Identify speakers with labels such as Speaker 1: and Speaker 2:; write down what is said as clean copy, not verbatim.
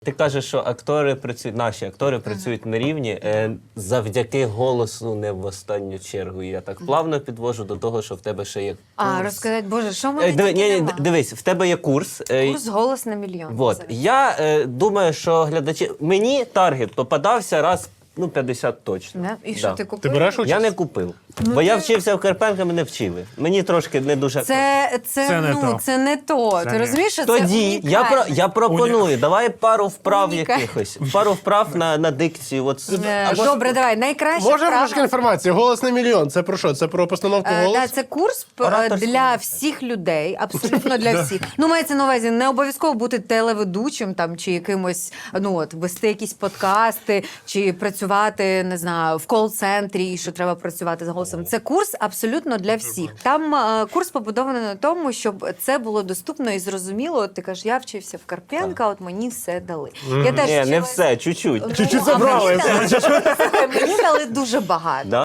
Speaker 1: Ти кажеш, що актори працюють, наші актори працюють на рівні завдяки голосу не в останню чергу. І я так плавно підвожу до того, що в тебе ще є курс.
Speaker 2: А, розказати, Боже, що ми
Speaker 1: Дивись, в тебе є курс.
Speaker 2: Курс «Голос на мільйон».
Speaker 1: Вот. Я думаю, що глядачі... Мені таргет попадався раз, 50 точно.
Speaker 2: Да? І що, ти купив?
Speaker 3: Ти береш участь?
Speaker 1: Я не купив. Бо я вчився в Карпенка, мене вчили. Мені трошки не дуже...
Speaker 3: Це не то.
Speaker 2: Це не то. Ти розумієш, що
Speaker 1: Тоді
Speaker 2: це
Speaker 1: я пропоную, давай пару вправ
Speaker 2: Унікальне.
Speaker 1: якихось. Пару вправ на дикцію. От,
Speaker 2: Добре, давай, найкраще
Speaker 3: Можна
Speaker 2: вправа.
Speaker 3: трошки інформації? «Голос на мільйон» – це про що? Це про постановку голосу?
Speaker 2: Да, це курс
Speaker 1: Ораторський
Speaker 2: для
Speaker 1: майстер.
Speaker 2: всіх людей, абсолютно для всіх. Ну, мається на увазі, не обов'язково бути телеведучим там, чи якимось, вести якісь подкасти, чи працювати, не знаю, в кол-центрі, і що треба працювати з голосом. Це курс абсолютно для всіх. Там курс побудований на тому, щоб це було доступно і зрозуміло. От ти кажеш, я вчився в Карпенка, от мені все дали. Я теж
Speaker 1: Ні, не
Speaker 2: вчилась-
Speaker 1: все, чуть-чуть.
Speaker 3: Чуть-чуть
Speaker 2: а
Speaker 3: забрали.
Speaker 2: Мені дали дуже багато.
Speaker 1: Да?